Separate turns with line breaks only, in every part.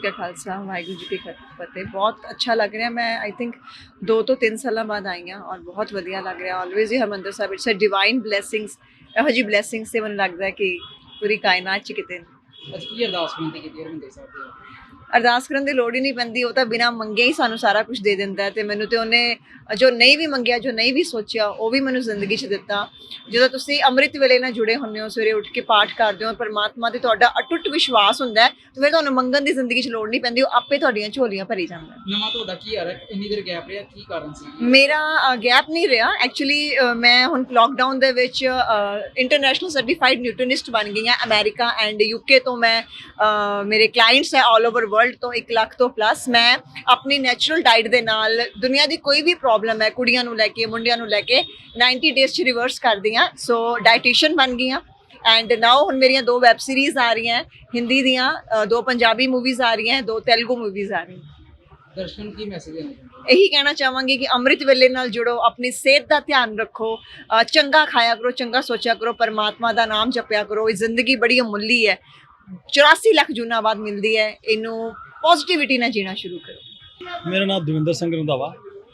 का खालसा वाहिगुरू जी की फतेह। बहुत अच्छा लग रहा है। मैं आई थिंक 2 ਤੋਂ 3 ਸਾਲਾਂ ਬਾਅਦ ਆਈ ਹਾਂ ਔਰ ਬਹੁਤ ਵਧੀਆ ਲੱਗ ਰਿਹਾ। ਆਲਵੇਜ਼ ਹੀ Harmandir Sahib it's a divine blessings. ਇਹੋ ਜਿਹੀ ਬਲੇਸਿੰਗਸ ਤੇ ਮੈਨੂੰ ਲੱਗਦਾ ਕਿ ਪੂਰੀ ਕਾਇਨਾਤ 'ਚ ਕਿਤੇ
ਅੱਜ ਕੀ ਅਰਦਾਸ ਬੇਨਤੀ ਕੀਤੀ ਹਰਿਮੰਦਰ ਸਾਹਿਬ ਦੇ?
ਅਰਦਾਸ ਕਰਨ ਦੀ ਲੋੜ ਹੀ ਨਹੀਂ ਪੈਂਦੀ। ਉਹ ਤਾਂ ਬਿਨਾਂ ਮੰਗੇ ਹੀ ਸਾਨੂੰ ਸਾਰਾ ਕੁਝ ਦੇ ਦਿੰਦਾ ਹੈ। ਤੇ ਮੈਨੂੰ ਤੇ ਉਹਨੇ ਜੋ ਨਹੀਂ ਵੀ ਮੰਗਿਆ, ਜੋ ਨਹੀਂ ਵੀ ਸੋਚਿਆ, ਉਹ ਵੀ ਮੈਨੂੰ ਜ਼ਿੰਦਗੀ 'ਚ ਦਿੱਤਾ। ਜਦੋਂ ਤੁਸੀਂ ਅੰਮ੍ਰਿਤ ਵੇਲੇ ਨਾਲ ਜੁੜੇ ਹੁੰਦੇ ਹੋ, ਸਵੇਰੇ ਉੱਠ ਕੇ ਪਾਠ ਕਰਦੇ ਹੋ, ਪਰਮਾਤਮਾ ਤੇ ਤੁਹਾਡਾ ਅਟੁੱਟ ਵਿਸ਼ਵਾਸ ਹੁੰਦਾ ਹੈ, ਤੇ ਫਿਰ ਤੁਹਾਨੂੰ ਮੰਗਣ ਦੀ ਜ਼ਿੰਦਗੀ 'ਚ ਲੋੜ ਨਹੀਂ ਪੈਂਦੀ। ਉਹ ਆਪੇ ਤੁਹਾਡੀਆਂ ਝੋਲੀਆਂ ਭਰੀ ਜਾਂਦਾ ਹੈ।
ਨਵਾਂ ਤੁਹਾਡਾ ਕੀ ਆ ਰਿਹਾ? ਇੰਨੀ ਦੇਰ ਗੈਪ ਰਿਹਾ, ਕੀ ਕਾਰਨ ਸੀ?
ਮੇਰਾ ਗੈਪ ਨਹੀਂ ਰਿਹਾ ਐਕਚੁਅਲੀ। ਮੈਂ ਹੁਣ ਲੋਕਡਾਊਨ ਦੇ ਵਿੱਚ ਇੰਟਰਨੈਸ਼ਨਲ ਸਰਟੀਫਾਈਡ ਨਿਊਟ੍ਰੀਨਿਸਟ ਬਣ ਗਈ ਹਾਂ। ਅਮਰੀਕਾ ਐਂਡ ਯੂਕੇ ਤੋਂ ਮੈਂ ਮੇਰੇ ਕਲਾਇੰਟਸ ਹੈ ਆਲ ਓਵਰ ਵਰਲਡ ਤੋਂ 1 ਲੱਖ ਤੋਂ ਪਲੱਸ। ਮੈਂ ਆਪਣੀ ਨੈਚੁਰਲ ਡਾਈਟ ਦੇ ਨਾਲ ਦੁਨੀਆ ਦੀ ਕੋਈ ਵੀ ਪ੍ਰੋਬਲਮ ਹੈ, ਕੁੜੀਆਂ ਨੂੰ ਲੈ ਕੇ, ਮੁੰਡਿਆਂ ਨੂੰ ਲੈ ਕੇ 90 ਡੇਜ਼ 'ਚ ਰਿਵਰਸ ਕਰਦੀ ਹਾਂ। ਸੋ ਡਾਈਟੀਸ਼ੀਅਨ ਬਣ ਗਈ ਹਾਂ। ਐਂਡ ਨਾਓ ਹੁਣ ਮੇਰੀਆਂ 2 ਵੈਬ ਸੀਰੀਜ਼ ਆ ਰਹੀਆਂ ਹਿੰਦੀ ਦੀਆਂ, 2 ਪੰਜਾਬੀ ਮੂਵੀਜ਼ ਆ ਰਹੀਆਂ, 2 ਤੇਲਗੂ ਮੂਵੀਜ਼ ਆ ਰਹੀਆਂ।
ਦਰਸ਼ਨ ਕੀ ਮੈਸੇਜ ਦੇਣਾ ਚਾਹੁੰਦੇ?
ਇਹੀ ਕਹਿਣਾ ਚਾਹਾਂਗੀ ਕਿ ਅੰਮ੍ਰਿਤ ਵੇਲੇ ਨਾਲ ਜੁੜੋ, ਆਪਣੀ ਸਿਹਤ ਦਾ ਧਿਆਨ ਰੱਖੋ, ਚੰਗਾ ਖਾਇਆ ਕਰੋ, ਚੰਗਾ ਸੋਚਿਆ ਕਰੋ, ਪਰਮਾਤਮਾ ਦਾ ਨਾਮ ਜਪਿਆ ਕਰੋ। ਇਹ ਜ਼ਿੰਦਗੀ ਬੜੀ ਅਮੁੱਲੀ ਹੈ, 84 ਲੱਖ ਜੂਨਾਂ ਬਾਅਦ ਮਿਲਦੀ ਹੈ। ਇਹਨੂੰ ਪੋਜ਼ਿਟਿਵਿਟੀ ਨਾਲ ਜੀਣਾ ਸ਼ੁਰੂ ਕਰੋ।
ਮੇਰਾ ਨਾਮ ਦਵਿੰਦਰ ਸਿੰਘ ਰੰਧਾਵਾ।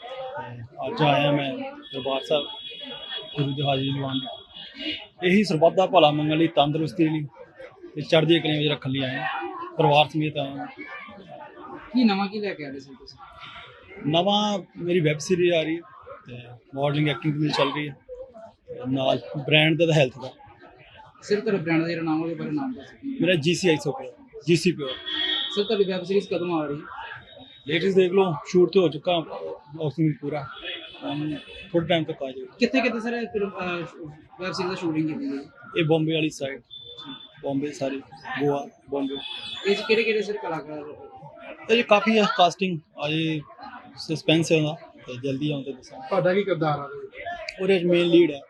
ਅੱਜ ਆਇਆ ਮੈਂ ਦਰਬਾਰ ਸਾਹਿਬ ਗੁਰੂ ਦੀ ਹਾਜ਼ਰੀ ਲਵਾਉਣ। ਇਹੀ ਸਰਬੱਤ ਦਾ ਭਲਾ ਮੰਗਣ ਲਈ, ਤੰਦਰੁਸਤੀ ਲਈ ਤੇ ਚੜ੍ਹਦੀ ਕਲਾ ਵਿੱਚ ਰੱਖਣ ਲਈ ਆਏ ਹਾਂ। ਪਰਿਵਾਰ ਸਮੇਤ ਆਇਆ।
ਕੀ ਨਵਾਂ ਕੀ ਲੈ ਕੇ ਆ ਰਹੇ ਸੀ ਤੁਸੀਂ?
ਨਵਾਂ ਮੇਰੀ ਵੈਬ ਸੀਰੀਜ਼ ਆ ਰਹੀ ਹੈ ਤੇ ਮਾਡਲਿੰਗ ਐਕਟਿੰਗ ਵੀ ਚੱਲ ਰਹੀ ਹੈ ਤੇ ਨਾਲ ਬ੍ਰਾਂਡ ਦਾ ਹੈਲਥ ਦਾ।
ਸਿਰ ਤੁਹਾਡੇ ਬ੍ਰਾਂਡ ਦਾ ਜਿਹੜਾ ਨਾਮ ਉਹਦੇ ਬਾਰੇ ਨਾਮ ਦੱਸੋ।
ਮੇਰਾ GCI ਸੋਪਰ, GC ਪਿਓਰ।
ਸਰ ਤੁਹਾਡੀ ਵੈਬ ਸੀਰੀਜ਼ ਕਦੋਂ ਆ ਰਹੀ ਹੈ?
ਲੇਟੈਸਟ ਦੇਖ ਲਓ, ਸ਼ੂਟ ਤੇ ਹੋ ਚੁੱਕਾ ਆਕਸੀਜਨ ਪੂਰਾ, ਥੋੜੇ ਟਾਈਮ ਤੱਕ ਆ ਜਾਏਗਾ।
ਕਿੱਥੇ ਕਿੱਥੇ ਸਰ ਵੈਬ ਸੀਰੀਜ਼ ਦਾ ਸ਼ੂਟਿੰਗ ਕੀਤੀ ਗਈ?
ਇਹ ਬੰਬੇ ਵਾਲੀ ਸਾਈਡ, ਬੰਬੇ ਸਾਰੀ, ਗੋਆ, ਬੰਬੇ।
ਇਹ 'ਚ ਕਿਹੜੇ ਕਿਹੜੇ ਸਰ ਕਲਾਕਾਰ?
ਇਹ ਕਾਫੀ ਹੈ ਕਾਸਟਿੰਗ, ਅਜੇ ਸਸਪੈਂਸ ਹੈ ਉਹਦਾ ਤੇ ਜਲਦੀ ਆਉਂਦੇ ਦੱਸਾਂ।
ਤੁਹਾਡਾ ਕੀ ਕਿਰਦਾਰ ਆ
ਉਹਦੇ ਮੇਨ ਲੀਡ ਹੈ।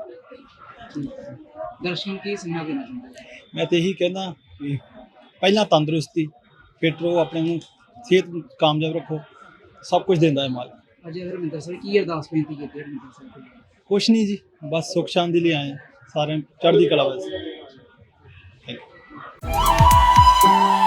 ਦਰਸ਼ਨ ਕੀ ਸੁਣਾ ਦੇਣਾ ਚਾਹੁੰਦੇ?
ਮੈਂ ਤੇ ਇਹੀ ਕਹਿੰਦਾ ਕਿ ਪਹਿਲਾਂ ਤੰਦਰੁਸਤੀ, ਫਿੱਟ ਰਹੋ, ਆਪਣੇ ਨੂੰ ਸਿਹਤ ਕਾਮਯਾਬ ਰੱਖੋ, ਸਭ ਕੁਝ ਦਿੰਦਾ ਹੈ ਮਾਲ।
ਅਜੇ ਹਰਿਮੰਦਰ ਸਾਹਿਬ ਕੀ ਅਰਦਾਸ ਬੇਨਤੀ ਕੀਤੀ ਹਰਿਮੰਦਰ ਸਾਹਿਬ ਕੋਲ?
ਕੁਛ ਨਹੀਂ ਜੀ, ਬਸ ਸੁੱਖ ਸ਼ਾਂਤੀ ਲਈ ਆਏ ਹਾਂ, ਸਾਰਿਆਂ ਚੜ੍ਹਦੀ ਕਲਾ ਵਾਸਤੇ। Thank you.